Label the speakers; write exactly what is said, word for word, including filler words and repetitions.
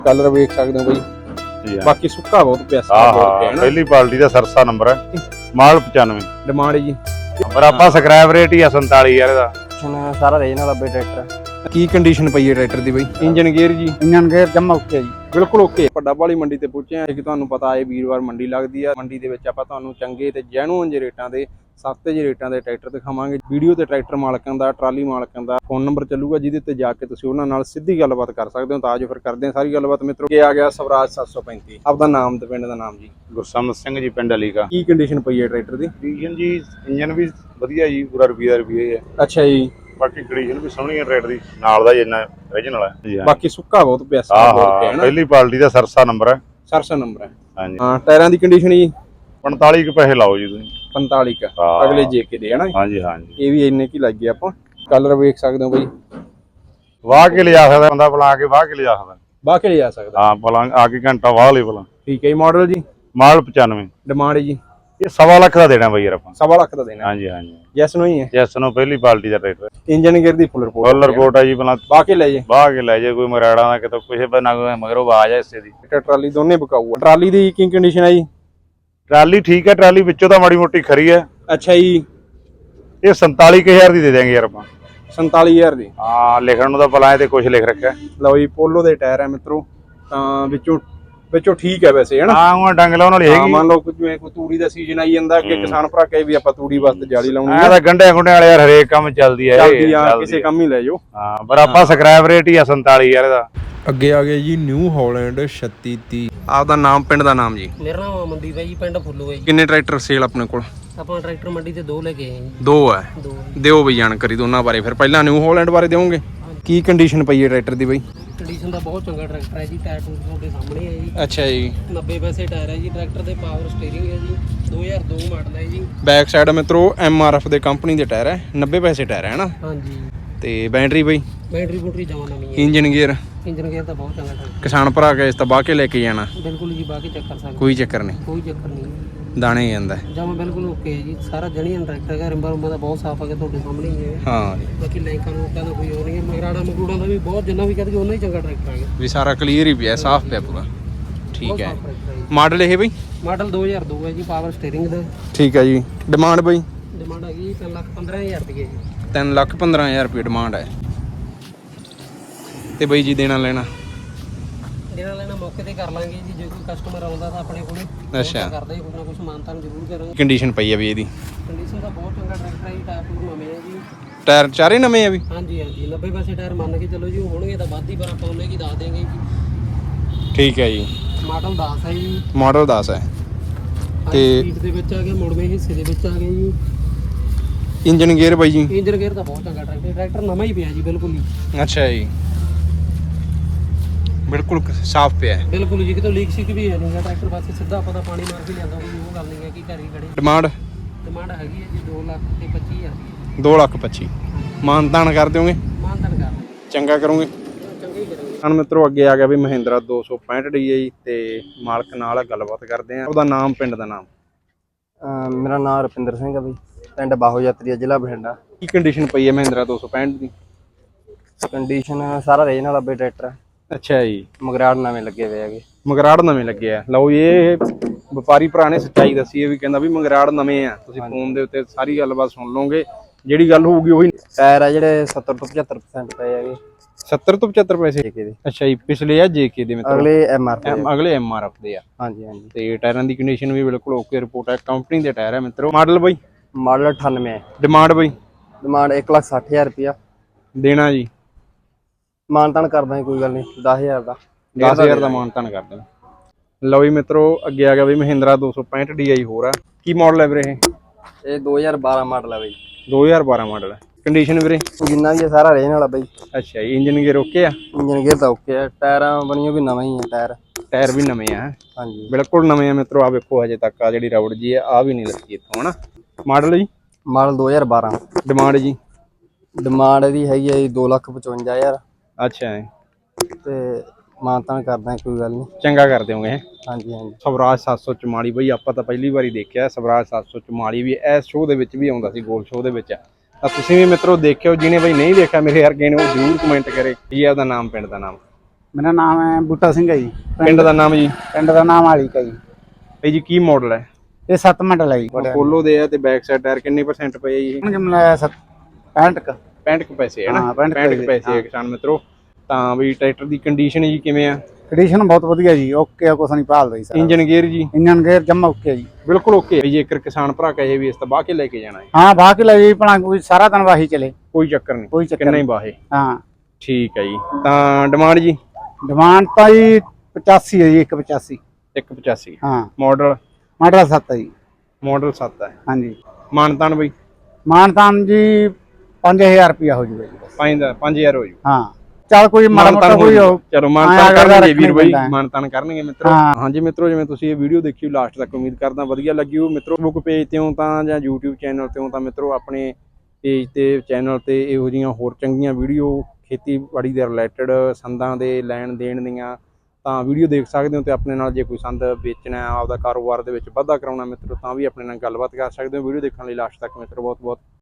Speaker 1: Colour वेख सकते हो बई, बाकी सुक्का बहुत प्यासा
Speaker 2: है ना। पहली पार्टी का सरसा नंबर है, माल पचानवे
Speaker 1: डिमांड जी।
Speaker 2: पर आपा स्क्रैप रेट ही है सैंताली यार दा।
Speaker 1: सारा रेंज वाला बई ट्रैक्टर की कंडीशन पई है ट्रैक्टर दी बई? इंजन गेयर जी,
Speaker 3: इंजन गेयर जम्मा ओके जी,
Speaker 1: बिल्कुल ओके। ਵੱਡਾ ਵਾਲੀ ਮੰਡੀ ਤੇ ਪਹੁੰਚੇ ਆ ਕਿ ਤੁਹਾਨੂੰ ਪਤਾ ਹੈ ਵੀਰਵਾਰ ਮੰਡੀ ਲੱਗਦੀ ਆ। ਮੰਡੀ ਦੇ ਵਿੱਚ ਆਪਾਂ ਤੁਹਾਨੂੰ ਚੰਗੇ ਤੇ ਜੈਨੂਇਨ ਜਿਹੇ ਰੇਟਾਂ ਦੇ ਸਸਤੇ ਜਿਹੇ ਰੇਟਾਂ ਦੇ ਟਰੈਕਟਰ ਦਿਖਾਵਾਂਗੇ। ਵੀਡੀਓ ਤੇ ਟਰੈਕਟਰ ਮਾਲਕਾਂ ਦਾ, ਟਰਾਲੀ ਮਾਲਕਾਂ ਦਾ ਫੋਨ ਨੰਬਰ ਚੱਲੂਗਾ, ਜਿਹਦੇ ਤੇ ਜਾ ਕੇ ਤੁਸੀਂ ਉਹਨਾਂ ਨਾਲ ਸਿੱਧੀ ਗੱਲਬਾਤ ਕਰ ਸਕਦੇ ਹੋ। ਤਾਂ ਆਜੋ ਫਿਰ ਕਰਦੇ ਹਾਂ ਸਾਰੀ ਗੱਲਬਾਤ ਮਿੱਤਰੋ। ਕੀ ਆ ਗਿਆ ਸਵਰਾਜ ਸੱਤ ਸੌ ਪੈਂਤੀ, ਆਪਦਾ ਨਾਮ ਤੇ ਪਿੰਡ ਦਾ ਨਾਮ ਜੀ?
Speaker 2: ਗੁਰਸਮਤ ਸਿੰਘ ਜੀ, ਪਿੰਡ ਅਲੀਕਾ।
Speaker 1: ਕੀ ਕੰਡੀਸ਼ਨ ਪਈ ਹੈ ਟਰੈਕਟਰ ਦੀ?
Speaker 2: ਕੰਡੀਸ਼ਨ ਜੀ ਇੰਜਨ ਵੀ ਵਧੀਆ ਜੀ, ਪੂਰਾ ਰੁਪਈਆ ਰੁਪਈਆ ਹੈ।
Speaker 1: ਅੱਛਾ ਜੀ।
Speaker 2: ਬਾਕੀ ਕੰਡੀਸ਼ਨ ਵੀ ਸੋਹਣੀ ਹੈ ਟਰੈਕਟਰ ਦੀ, ਨਾਲ ਦਾ ਜਿੰਨਾ ਓਰੀਜਨਲ ਹੈ।
Speaker 1: ਬਾਕੀ ਸੁੱਕਾ ਬਹੁਤ ਪਿਆਸਾ
Speaker 2: ਹੈ ਨਾ। ਪਹਿਲੀ ਪਾਰਟੀ ਦਾ ਸਰਸਾ ਨੰਬਰ ਹੈ,
Speaker 1: ਸਰਸਾ ਨੰਬਰ ਹੈ।
Speaker 2: ਹਾਂਜੀ
Speaker 1: ਹਾਂ। ਟਾਇਰਾਂ ਦੀ ਕੰਡੀਸ਼ਨ ਜੀ
Speaker 2: ਪੰਤਾਲੀ ਕੁ ਪੈਸੇ ਲਾਓ ਜੀ ਤੁਸੀਂ।
Speaker 1: ਪੰਤਾਲੀ ਕ ਅਗਲੇ ਜੇਕੇ ਦੇ ਹੈ ਨਾ।
Speaker 2: ਹਾਂਜੀ ਹਾਂਜੀ,
Speaker 1: ਇਹ ਵੀ ਇੰਨੇ ਕੀ ਲੱਗ ਗਏ ਆਪਾਂ। ਕਲਰ ਵੇਖ ਸਕਦੇ ਹੋ ਬਈ,
Speaker 2: ਵਾਹ ਕੇ ਲਿਜਾ ਸਕਦਾ ਬੰਦਾ, ਬੁਲਾ ਕੇ ਵਾਹ ਕੇ ਲਿਜਾ ਸਕਦਾ,
Speaker 1: ਵਾਹ ਕੇ ਲਿਜਾ ਸਕਦਾ।
Speaker 2: ਹਾਂ ਭਲਾ ਆ ਕੇ ਘੰਟਾ ਵਾਹ ਲਈ ਭਲਾ।
Speaker 1: ਠੀਕ ਹੈ ਜੀ। ਮਾਡਲ ਜੀ?
Speaker 2: ਮਾਲ ਪਚਾਨਵੇਂ।
Speaker 1: ਡਿਮਾਂਡ ਜੀ?
Speaker 2: ਇਹ ਸਵਾ ਲੱਖ ਦਾ ਦੇਣਾ ਬਈ ਯਾਰ ਆਪਾਂ।
Speaker 1: ਸਵਾ ਲੱਖ ਦਾ ਦੇਣਾ?
Speaker 2: ਹਾਂਜੀ ਹਾਂਜੀ,
Speaker 1: ਜੈਸ ਨੂੰ ਹੀ ਹੈ।
Speaker 2: ਜੈਸ ਨੂੰ ਪਹਿਲੀ ਪਾਰਟੀ ਦਾ ਟਰੈਕਟਰ।
Speaker 1: ਇੰਜਨ ਗੇਅਰ ਦੀ ਫੁੱਲ ਰਿਪੋਰਟ?
Speaker 2: ਫੁੱਲ ਰਿਪੋਰਟ ਹੈ ਜੀ, ਭਲਾ
Speaker 1: ਵਾਹ ਕੇ ਲੈ ਜੇ।
Speaker 2: ਵਾਹ ਕੇ ਲੈ ਜੇ ਕੋਈ ਮਰਾੜਾ ਦਾ ਕਿਤੋਂ ਕੁਛ ਬਣਾ ਮਗਰੋਂ ਆਵਾਜ਼ ਆ ਇਸੇ ਦੀ।
Speaker 1: ਟਰਾਲੀ ਦੋਨੇ ਬਕਾਊ ਆ। ਟਰਾਲੀ ਦੀ ਕੀ ਕੰਡੀਸ਼ਨ ਹੈ ਜੀ?
Speaker 2: ਟਰਾਲੀ ਠੀਕ ਹੈ, ਟਰਾਲੀ ਵਿੱਚੋਂ ਤਾਂ ਮਾੜੀ ਮੋਟੀ ਖਰੀ ਹੈ।
Speaker 1: ਅੱਛਾ ਜੀ।
Speaker 2: ਇਹ ਸੰਤਾਲੀ ਕੁ ਹਜ਼ਾਰ ਦੀ ਦੇ ਦਿਆਂਗੇ ਯਾਰ ਆਪਾਂ।
Speaker 1: ਸੰਤਾਲੀ ਹਜ਼ਾਰ ਦੀ?
Speaker 2: ਹਾਂ, ਲਿਖਣ ਨੂੰ ਤਾਂ ਭਲਾ ਤੇ ਕੁਛ ਲਿਖ ਰੱਖਿਆ।
Speaker 1: ਲਓ ਜੀ, ਪੋਲੋ ਦੇ ਟਾਇਰ ਹੈ ਮਿੱਤਰੋ, ਤਾਂ ਵਿੱਚੋਂ ਵਿੱਚੋਂ ਠੀਕ ਹੈ ਵੈਸੇ, ਹਨਾ।
Speaker 2: ਹਾਂ, ਉਹ ਡੰਗ ਲਾਉਣ ਵਾਲੀ ਹੈਗੀ।
Speaker 1: ਮੰਨ ਲਓ ਜਿਵੇਂ ਕੋਈ ਤੂੜੀ ਦਾ ਸੀਜ਼ਨ ਆਈ ਜਾਂਦਾ, ਕਿ ਕਿਸਾਨ ਭਰਾ ਕਹੇ ਵੀ ਆਪਾਂ ਤੂੜੀ ਵਾਸਤੇ ਜਾਲੀ ਲਾਉਣੀ
Speaker 2: ਆ, ਤਾਂ ਗੰਢਿਆਂ ਗੁੰਢਿਆਂ ਵਾਲੇ ਯਾਰ ਹਰੇਕ ਕੰਮ ਚੱਲਦੀ ਹੈ।
Speaker 1: ਚੱਲਦੀ ਆ, ਕਿਸੇ ਕੰਮ ਹੀ ਲੈ ਜਾਓ।
Speaker 2: ਹਾਂ, ਪਰ ਆਪਾਂ ਸਕ੍ਰੈਪ ਰੇਟ ਹੀ ਆ ਸੰਤਾਲੀ ਹਜ਼ਾਰ ਦਾ।
Speaker 1: ਅੱਗੇ ਆ ਗਿਆ ਜੀ ਨਿਊ ਹਾਲੈਂਡ ਛੱਤੀ ਤੀਹ। ਆਪਦਾ ਨਾਮ, ਪਿੰਡ ਦਾ ਨਾਮ ਜੀ?
Speaker 4: ਮੇਰਾ ਨਾਮ ਅਮਨਦੀਪ ਹੈ ਜੀ, ਪਿੰਡ ਫੁੱਲੂ ਹੈ ਜੀ।
Speaker 1: ਕਿੰਨੇ ਟਰੈਕਟਰ ਸੇਲ ਆਪਣੇ ਕੋਲ?
Speaker 4: ਆਪਾਂ ਟਰੈਕਟਰ ਮੰਡੀ ਤੇ ਦੋ ਲੈ ਕੇ ਆਏ ਜੀ।
Speaker 1: ਦੋ ਹੈ?
Speaker 4: ਦੋ।
Speaker 1: ਦਿਓ ਬਈ ਜਾਣਕਾਰੀ ਦੋਨਾਂ ਬਾਰੇ। ਫਿਰ ਪਹਿਲਾਂ ਨਿਊ ਹਾਲੈਂਡ ਬਾਰੇ ਦਿਓਗੇ? ਕੀ ਕੰਡੀਸ਼ਨ ਪਈ ਹੈ ਟਰੈਕਟਰ ਦੀ ਬਈ?
Speaker 4: ਕੰਡੀਸ਼ਨ ਦਾ ਬਹੁਤ ਚੰਗਾ ਟਰੈਕਟਰ ਹੈ ਜੀ। ਟਾਇਰ ਟੂਰ ਤੁਹਾਡੇ ਸਾਹਮਣੇ ਹੈ ਜੀ।
Speaker 1: ਅੱਛਾ ਜੀ।
Speaker 4: ਨੱਬੇ ਪੈਸੇ ਟਾਇਰ ਹੈ ਜੀ ਟਰੈਕਟਰ ਦੇ। ਪਾਵਰ ਸਟੀਅਰਿੰਗ ਹੈ ਜੀ। ਦੋ ਹਜ਼ਾਰ ਦੋ ਮਾਡਲ ਹੈ ਜੀ।
Speaker 1: ਬੈਕ ਸਾਈਡ ਮਿੱਤਰੋ ਐਮ ਆਰ ਐਫ ਦੇ ਕੰਪਨੀ ਦੇ ਟਾਇਰ ਹੈ। ਨੱਬੇ ਪੈਸੇ ਟਾਇਰ ਹੈ ਨਾ।
Speaker 4: ਹਾਂਜੀ।
Speaker 1: ਤੇ ਬੈਟਰੀ ਬਈ?
Speaker 4: ਬੈਟਰੀ ਬੂਟਰੀ ਜਮਾ ਨਵੀਂ ਹੈ।
Speaker 1: Engine gear?
Speaker 4: ਇੰਜਨ ਗੇਅਰ ਤਾਂ ਬਹੁਤ ਚੰਗਾ ਟਰੈਕਟਰ।
Speaker 1: ਕਿਸਾਨ ਭਰਾ ਕੇ ਇਸ ਤਾਂ ਬਾਹ ਕੇ ਲੈ ਕੇ ਜਾਣਾ?
Speaker 4: ਬਿਲਕੁਲ ਜੀ, ਬਾਕੀ ਚੈੱਕ ਕਰ ਸਕਦੇ।
Speaker 1: ਕੋਈ ਚੱਕਰ ਨਹੀਂ?
Speaker 4: ਕੋਈ ਚੱਕਰ ਨਹੀਂ,
Speaker 1: ਦਾਣੇ ਹੀ ਜਾਂਦਾ
Speaker 4: ਜਮਾ ਬਿਲਕੁਲ ਓਕੇ ਹੈ ਜੀ। ਸਾਰਾ ਜਣੀਅਨ ਟਰੈਕਟਰ ਹੈਗਾ। ਰਿੰਬਾ ਰੁੰਬਾ ਦਾ ਬਹੁਤ ਸਾਫ਼ ਹੈ, ਤੁਹਾਡੇ ਸਾਹਮਣੇ ਹੀ ਹੈ।
Speaker 1: ਹਾਂ।
Speaker 4: ਬਾਕੀ ਲਾਈਕਾਂ ਨੂੰ ਦਾ ਕੋਈ ਹੋ ਨਹੀਂ ਹੈ। ਮਗਰਾੜਾ ਮਗਰੂੜਾ ਦਾ ਵੀ ਬਹੁਤ, ਜਿੰਨਾ ਵੀ ਕਹਿੰਦੇ ਉਹਨਾਂ ਹੀ ਚੰਗਾ ਟਰੈਕਟਰ ਹੈਗਾ।
Speaker 1: ਵੀ ਸਾਰਾ ਕਲੀਅਰ ਹੀ ਪਿਆ, ਸਾਫ਼ ਪਿਆ ਪੂਰਾ। ਠੀਕ ਹੈ। ਮਾਡਲ ਇਹ ਬਈ?
Speaker 4: ਮਾਡਲ ਦੋ ਹਜ਼ਾਰ ਦੋ ਹੈ ਜੀ। ਪਾਵਰ ਸਟੀਅਰਿੰਗ ਦਾ।
Speaker 1: ਠੀਕ ਹੈ ਜੀ। ਡਿਮਾਂਡ ਬਈ?
Speaker 4: ਡਿਮਾਂਡ ਹੈਗੀ ਜੀ ਤਿੰਨ ਲੱਖ ਪੰਦਰਾਂ ਹਜ਼ਾਰ ਰੁਪਏ ਜੀ।
Speaker 1: ਤਿੰਨ ਲੱਖ ਪੰਦਰਾਂ ਹਜ਼ਾਰ ਰੁਪਏ ਡਿਮਾਂਡ ਹੈ। ਤੇ ਬਈ ਜੀ ਦੇਣਾ ਲੈਣਾ?
Speaker 4: ਦੇਣਾ ਲੈਣਾ ਮੌਕੇ ਤੇ ਕਰ ਲਾਂਗੇ ਜੀ। ਜੇ ਕੋਈ ਕਸਟਮਰ ਆਉਂਦਾ ਤਾਂ ਆਪਣੇ ਕੋਲੇ
Speaker 1: ਅੱਛਾ
Speaker 4: ਕਰਦੇ ਕੁਝ ਨਾ ਕੁਝ ਮਾਨਤਾਨ ਜ਼ਰੂਰ ਕਰਾਂਗੇ।
Speaker 1: ਕੰਡੀਸ਼ਨ ਪਈ ਆ ਵੀ ਇਹਦੀ?
Speaker 4: ਕੰਡੀਸ਼ਨ ਤਾਂ ਬਹੁਤ ਚੰਗਾ ਟਰੈਕਟਰ ਹੈ ਜੀ। ਟਾਇਰ ਟੂਰ ਨਵੇਂ ਹੈ ਜੀ।
Speaker 1: ਟਾਇਰ ਚਾਰੇ ਨਵੇਂ ਆ ਵੀ?
Speaker 4: ਹਾਂਜੀ ਹਾਂਜੀ, ਨੱਬੇ ਪੈਸੇ ਟਾਇਰ ਮੰਨ ਕੇ ਚੱਲੋ ਜੀ। ਹੋਣਗੇ ਤਾਂ ਵੱਧ ਹੀ, ਪਰ ਆਪਾਂ ਉਹਨੇ ਕੀ ਦੱਸ ਦੇਂਗੇ ਜੀ।
Speaker 1: ਠੀਕ ਹੈ ਜੀ।
Speaker 4: ਮਾਡਲ ਦਸ ਹੈ ਜੀ।
Speaker 1: ਮਾਡਲ ਦਸ ਹੈ।
Speaker 4: ਤੇ ਸਪੀਡ ਦੇ ਵਿੱਚ ਆ ਗਿਆ, ਮੁੜਵੇਂ ਹਿੱਸੇ ਦੇ ਵਿੱਚ ਆ ਗਿਆ ਜੀ।
Speaker 1: ਇੰਜਨ ਗੇਅਰ ਬਾਈ ਜੀ?
Speaker 4: ਇੰਜਨ ਗੇਅਰ ਤਾਂ ਬਹੁਤ ਚੰਗਾ ਟਰੈਕਟਰ। ਟਰੈਕਟਰ ਨਵਾਂ ਹੀ ਪਿਆ ਜੀ, ਬਿਲਕੁਲ ਹੀ।
Speaker 1: ਅੱਛਾ ਜੀ। ਬਿਲਕੁਲ ਸਾਫ਼ ਪਿਆ ਹੈ?
Speaker 4: ਬਿਲਕੁਲ ਜੀ, ਕਿਤੋਂ ਲੀਕ ਸ਼ੀਕ ਵੀ ਹੈ ਨਹੀਂ ਟਰੈਕਟਰ। ਬਸ ਸਿੱਧਾ ਆਪਾਂ ਤਾਂ ਪਾਣੀ ਮਾਰ ਕੇ ਲਿਆਂਦਾ, ਕੋਈ ਉਹ ਗੱਲ ਨਹੀਂ ਹੈ ਕਿ ਘਰ ਹੀ ਖੜੇ।
Speaker 1: ਡਿਮਾਂਡ?
Speaker 4: ਡਿਮਾਂਡ ਹੈਗੀ ਹੈ ਜੀ ਦੋ ਲੱਖ ਤੇ ਪੱਚੀ ਹਜ਼ਾਰ।
Speaker 1: ਦੋ ਲੱਖ ਪੱਚੀ। ਮਾਨਤਾਨ ਕਰ ਦਿਓਗੇ?
Speaker 4: ਮਾਨਤਾਨ ਕਰ
Speaker 1: ਚੰਗਾ ਕਰੋਗੇ?
Speaker 4: ਚੰਗਾ ਹੀ ਕਰਾਂਗੇ।
Speaker 1: ਹਨ ਮਿੱਤਰੋ, ਅੱਗੇ ਆ ਗਿਆ ਵੀ ਮਹਿੰਦਰਾ ਦੋ ਸੌ ਪੈਂਹਠ ਡੀ ਹੈ ਜੀ। ਤੇ ਮਾਲਕ ਨਾਲ ਗੱਲਬਾਤ ਕਰਦੇ ਆ। ਉਹਦਾ ਨਾਮ, ਪਿੰਡ ਦਾ ਨਾਮ?
Speaker 3: ਮੇਰਾ ਨਾਮ ਰੁਪਿੰਦਰ ਸਿੰਘ ਹੈ ਬਈ, ਪਿੰਡ ਬਾਹੋ ਯਾਤਰੀ, ਜ਼ਿਲ੍ਹਾ ਬਠਿੰਡਾ।
Speaker 1: ਕੀ ਕੰਡੀਸ਼ਨ ਪਈ ਹੈ ਮਹਿੰਦਰਾ ਦੋ ਸੌ ਪੈਂਹਠ ਦੀ?
Speaker 3: ਕੰਡੀਸ਼ਨ ਸਾਰਾ ਰੇਂਜ ਵਾਲਾ ਬਈ ਟਰੈਕਟਰ।
Speaker 1: ਅੱਛਾ ਜੀ।
Speaker 3: ਮਗਰਾੜ ਨਵੇਂ ਲੱਗੇ ਹੋਏ ਹੈਗੇ।
Speaker 1: ਮਗਰਾੜ ਨਵੇਂ ਲੱਗੇ ਆ? ਲਓ ਇਹ ਵਪਾਰੀ ਭਰਾ ਨੇ ਸੱਚਾਈ ਦੱਸੀ ਹੈ ਵੀ ਕਹਿੰਦਾ ਵੀ ਮਗਰਾੜ ਨਵੇਂ ਆ। ਤੁਸੀਂ ਫੋਨ ਦੇ ਉੱਤੇ ਸਾਰੀ ਗੱਲਬਾਤ ਸੁਣ ਲਓਗੇ, ਜਿਹੜੀ ਗੱਲ ਹੋਊਗੀ ਉਹੀ।
Speaker 3: ਟਾਇਰ ਆ ਜਿਹੜੇ ਸੱਤਰ ਤੋਂ ਪਝੱਤਰ ਪਰਸੈਂਟ ਪਏ ਹੈਗੇ।
Speaker 1: ਸੱਤਰ ਤੋਂ ਪਝੱਤਰ ਪੈਸੇ?
Speaker 3: ਜੇਕੇ ਦੇ।
Speaker 1: ਅੱਛਾ ਜੀ। ਪਿਛਲੇ ਆ ਜੇਕੇ ਦੇ ਮਿੱਤਰੋ?
Speaker 3: ਅਗਲੇ ਐਮ ਆਰ ਐਫ।
Speaker 1: ਅਗਲੇ ਐਮ ਆਰ ਐਫ ਦੇ ਆ?
Speaker 3: ਹਾਂਜੀ ਹਾਂਜੀ।
Speaker 1: ਤੇ ਟਾਇਰਾਂ ਦੀ ਕੰਡੀਸ਼ਨ ਵੀ ਬਿਲਕੁਲ ਓਕੇ ਰਿਪੋਰਟ ਹੈ। ਕੰਪਨੀ ਦੇ ਟਾਇਰ ਹੈ ਮਿੱਤਰੋ। ਮਾਡਲ ਬਈ?
Speaker 3: ਮਾਡਲ ਅਠਾਨਵੇਂ।
Speaker 1: ਡਿਮਾਂਡ ਬਈ?
Speaker 3: ਡਿਮਾਂਡ ਇੱਕ ਲੱਖ ਸੱਠ ਹਜ਼ਾਰ ਰੁਪਇਆ
Speaker 1: ਦੇਣਾ ਜੀ?
Speaker 3: ਮਾਨਤਾਨ ਕਰਦਾ ਕੋਈ ਗੱਲ ਨਹੀਂ, ਦਸ ਹਜ਼ਾਰ ਦਾ।
Speaker 1: ਦਸ ਹਜ਼ਾਰ ਦਾ ਮਾਨਤਾਨ ਕਰ ਦੇਣਾ। ਲਓ ਜੀ ਮਿੱਤਰੋ, ਅੱਗੇ ਆ ਗਿਆ ਬਈ ਮਹਿੰਦਰਾ ਦੋ ਸੌ ਪੈਂਹਠ ਡੀ ਆਈ ਹੋਰ ਆ। ਕੀ ਮਾਡਲ ਹੈ ਵੀਰੇ ਇਹ?
Speaker 3: ਇਹ ਦੋ ਹਜ਼ਾਰ ਬਾਰਾਂ ਮਾਡਲ ਹੈ ਬਈ।
Speaker 1: ਦੋ ਹਜ਼ਾਰ ਬਾਰਾਂ ਮਾਡਲ ਹੈ। ਕੰਡੀਸ਼ਨ ਵੀਰੇ?
Speaker 3: ਜਿੰਨਾ ਵੀ ਹੈ ਸਾਰਾ ਰੇਂਜ ਵਾਲਾ ਬਈ।
Speaker 1: ਅੱਛਾ ਜੀ। ਇੰਜਨ ਗੇਅਰ ਓਕੇ ਆ?
Speaker 3: ਇੰਜਨ ਗੇਅਰ ਤਾਂ ਓਕੇ ਆ। ਟਾਇਰਾਂ ਬਣੀਆਂ ਵੀ ਨਵਾਂ ਹੀ ਆ ਟਾਇਰ।
Speaker 1: ਟਾਇਰ ਵੀ ਨਵੇਂ ਆ?
Speaker 3: ਹਾਂਜੀ,
Speaker 1: ਬਿਲਕੁਲ ਨਵੇਂ ਆ ਮਿੱਤਰੋ। ਆ ਵੇਖੋ ਹਜੇ ਤੱਕ ਆ ਜਿਹੜੀ ਰਬੜ ਜੀ ਆ, ਆ ਵੀ ਨਹੀਂ ਲੱਗੀ ਇੱਥੋਂ, ਹਨਾ। ਮਾਡਲ ਜੀ?
Speaker 3: ਮਾਡਲ ਦੋ ਹਜ਼ਾਰ ਬਾਰਾਂ।
Speaker 1: ਡਿਮਾਂਡ ਜੀ?
Speaker 3: ਡਿਮਾਂਡ ਇਹਦੀ ਹੈਗੀ ਹੈ ਜੀ ਦੋ ਲੱਖ ਪਚਵੰਜਾ ਹਜ਼ਾਰ।
Speaker 1: ਅੱਛਾ ਜੀ।
Speaker 3: ਤੇ ਮਾਨਤਾਨ ਕਰਦਾ ਕੋਈ ਗੱਲ ਨਹੀਂ,
Speaker 1: ਚੰਗਾ ਕਰ ਦਿਓਗੇ?
Speaker 3: ਹਾਂਜੀ ਹਾਂਜੀ।
Speaker 1: ਸਵਰਾਜ ਸੱਤ ਸੌ ਚੁਤਾਲੀ ਬਈ, ਆਪਾਂ ਤਾਂ ਪਹਿਲੀ ਵਾਰੀ ਦੇਖਿਆ ਸਵਰਾਜ ਸੱਤ ਸੌ ਚੁਤਾਲੀ ਵੀ। ਇਸ ਸ਼ੋਅ ਦੇ ਵਿੱਚ ਵੀ ਆਉਂਦਾ ਸੀ, ਗੋਲ ਸ਼ੋਅ ਦੇ ਵਿੱਚ। ਤਾਂ ਤੁਸੀਂ ਵੀ ਮਿੱਤਰੋ ਦੇਖਿਓ। ਜਿਹਨੇ ਬਈ ਨਹੀਂ ਦੇਖਿਆ ਮੇਰੇ ਵਰਗੇ ਨੇ, ਉਹ ਜ਼ਰੂਰ ਕਮੈਂਟ ਕਰੇ। ਕੀ ਹੈ ਉਹਦਾ ਨਾਮ, ਪਿੰਡ ਦਾ ਨਾਮ?
Speaker 5: ਮੇਰਾ ਨਾਮ ਹੈ ਬੂਟਾ ਸਿੰਘ ਹੈ ਜੀ।
Speaker 1: ਪਿੰਡ ਦਾ ਨਾਮ ਜੀ?
Speaker 5: ਪਿੰਡ ਦਾ ਨਾਮ ਆਲੀ ਕਾ ਜੀ।
Speaker 1: ਇਹ ਜੀ ਕੀ ਮਾਡਲ ਹੈ?
Speaker 5: ਇਹ ਸੱਤ ਮਾਡਲ ਹੈ ਜੀ।
Speaker 1: ਪੋਲੋ ਦੇ ਆ ਤੇ ਬੈਕ ਸਾਈਡ ਟਾਇਰ ਕਿੰਨੇ ਪਰਸੈਂਟ ਪਏ ਜੀ?
Speaker 5: ਹੁਣ ਮਿਲਾਇਆ ਪੈਂਹਠ ਕ
Speaker 1: ਪੈਂਹਠ ਕੁ ਪੈਸੇ ਹੈ ਨਾ?
Speaker 5: ਹਾਂ, ਪੈਂਹਠ
Speaker 1: ਪੈਂਹਠ ਕੁ ਪੈਸੇ ਆ ਕਿਸਾਨ ਮਿੱਤਰੋ। ਤਾਂ ਵੀ ਟਰੈਕਟਰ ਦੀ ਕੰਡੀਸ਼ਨ ਜੀ ਕਿਵੇਂ ਆ?
Speaker 5: ਕੰਡੀਸ਼ਨ ਬਹੁਤ ਵਧੀਆ ਜੀ, ਓਕੇ ਆ, ਕੁਛ ਨਹੀਂ ਭਾਲਦਾ ਜੀ।
Speaker 1: ਇੰਜਨ ਗੇਅਰ ਜੀ?
Speaker 5: ਇੰਜਨ ਗੇਅਰ ਜਮਾ ਓਕੇ ਜੀ,
Speaker 1: ਬਿਲਕੁਲ ਓਕੇ ਹੈ। ਜੇਕਰ ਕਿਸਾਨ ਭਰਾ ਕਹੇ ਵੀ ਇਸ ਤਾਂ ਬਾਹ ਕੇ ਲੈ ਕੇ ਜਾਣਾ ਹੈ,
Speaker 5: ਹਾਂ ਬਾਹ ਕੇ ਲੈ ਜੀ ਭਲਾ, ਕੋਈ ਸਾਰਾ ਦਿਨ ਵਾਹੀ ਚਲੇ,
Speaker 1: ਕੋਈ ਚੱਕਰ ਨਹੀਂ,
Speaker 5: ਕੋਈ ਚੱਕਰ
Speaker 1: ਕਿੰਨਾ ਹੀ
Speaker 5: ਨਹੀਂ।
Speaker 1: ਬਾਹੇ।
Speaker 5: ਹਾਂ
Speaker 1: ਠੀਕ ਹੈ ਜੀ। ਤਾਂ ਡਿਮਾਂਡ ਜੀ?
Speaker 5: ਡਿਮਾਂਡ ਤਾਂ ਜੀ ਪਚਾਸੀ ਹੈ ਜੀ, ਇੱਕ ਪਚਾਸੀ।
Speaker 1: ਇੱਕ ਪਚਾਸੀ।
Speaker 5: ਹਾਂ
Speaker 1: ਮਾਡਲ?
Speaker 5: ਮਾਡਲ ਸੱਤ ਹੈ ਜੀ।
Speaker 1: ਮਾਡਲ ਸੱਤ ਹੈ।
Speaker 5: ਹਾਂਜੀ।
Speaker 1: ਮਾਨਤਾਨ ਬਈ?
Speaker 5: ਮਾਨਤਾਨ ਜੀ ਪੰਜ ਹਜ਼ਾਰ ਰੁਪਇਆ ਹੋ ਜੂਗਾ ਜੀ ਬਸ।
Speaker 1: ਪੰਜ ਦਾ ਪੰਜ ਹਜ਼ਾਰ ਹੋ ਜੂ?
Speaker 5: ਹਾਂ ਚੱਲ ਕੋਈ ਮਾੜਾ ਮੋਟਾ ਕੋਈ ਹੋ-
Speaker 1: ਚਲੋ
Speaker 5: ਹਾਂ,
Speaker 1: ਮਾਨਤਾਨ
Speaker 5: ਅਗਰ
Speaker 1: ਕਰਨਗੇ ਵੀਰ ਬਾਈ,
Speaker 5: ਰੱਖਣਾ
Speaker 1: ਮਾਨਤਾਨ ਕਰਨਗੇ ਮਿੱਤਰੋ।
Speaker 5: ਹਾਂ।
Speaker 1: ਹਾਂਜੀ ਮਿੱਤਰੋ, ਜਿਵੇਂ ਤੁਸੀਂ ਇਹ ਵੀਡੀਓ ਦੇਖੀ ਲਾਸਟ ਤੱਕ, ਉਮੀਦ ਕਰਦਾ ਵਧੀਆ ਲੱਗੀ ਹੋ ਮਿੱਤਰੋ। ਫੇਸਬੁੱਕ ਪੇਜ ਤੇ ਹੋ ਤਾਂ ਜਾਂ YouTube ਚੈਨਲ ਤੇ ਹੋ ਤਾਂ ਮਿੱਤਰੋ ਆਪਣੇ ਪੇਜ ਤੇ ਚੈਨਲ ਤੇ ਇਹੋ ਜਿਹੀਆਂ ਹੋਰ ਚੰਗੀਆਂ ਵੀਡੀਓ ਖੇਤੀਬਾੜੀ ਦੇ ਰਿਲੇਟਡ, ਸੰਦਾਂ ਦੇ ਲੈਣ ਦੇਣ ਦੀਆਂ ਤਾਂ ਵੀਡੀਓ ਦੇਖ ਸਕਦੇ ਹੋ। ਤੇ ਆਪਣੇ ਨਾਲ ਜੇ ਕੋਈ ਸੰਦ ਵੇਚਣਾ, ਆਪਦਾ ਕਾਰੋਬਾਰ ਦੇ ਵਿੱਚ ਵਾਧਾ ਕਰਾਉਣਾ ਮਿੱਤਰੋ, ਤਾਂ ਵੀ ਆਪਣੇ ਨਾਲ ਗੱਲਬਾਤ ਕਰ ਸਕਦੇ ਹੋ। ਵੀਡੀਓ ਦੇਖਣ ਲਈ ਲਾਸਟ ਤੱਕ ਮਿੱਤਰੋ ਬਹੁਤ ਬਹੁਤ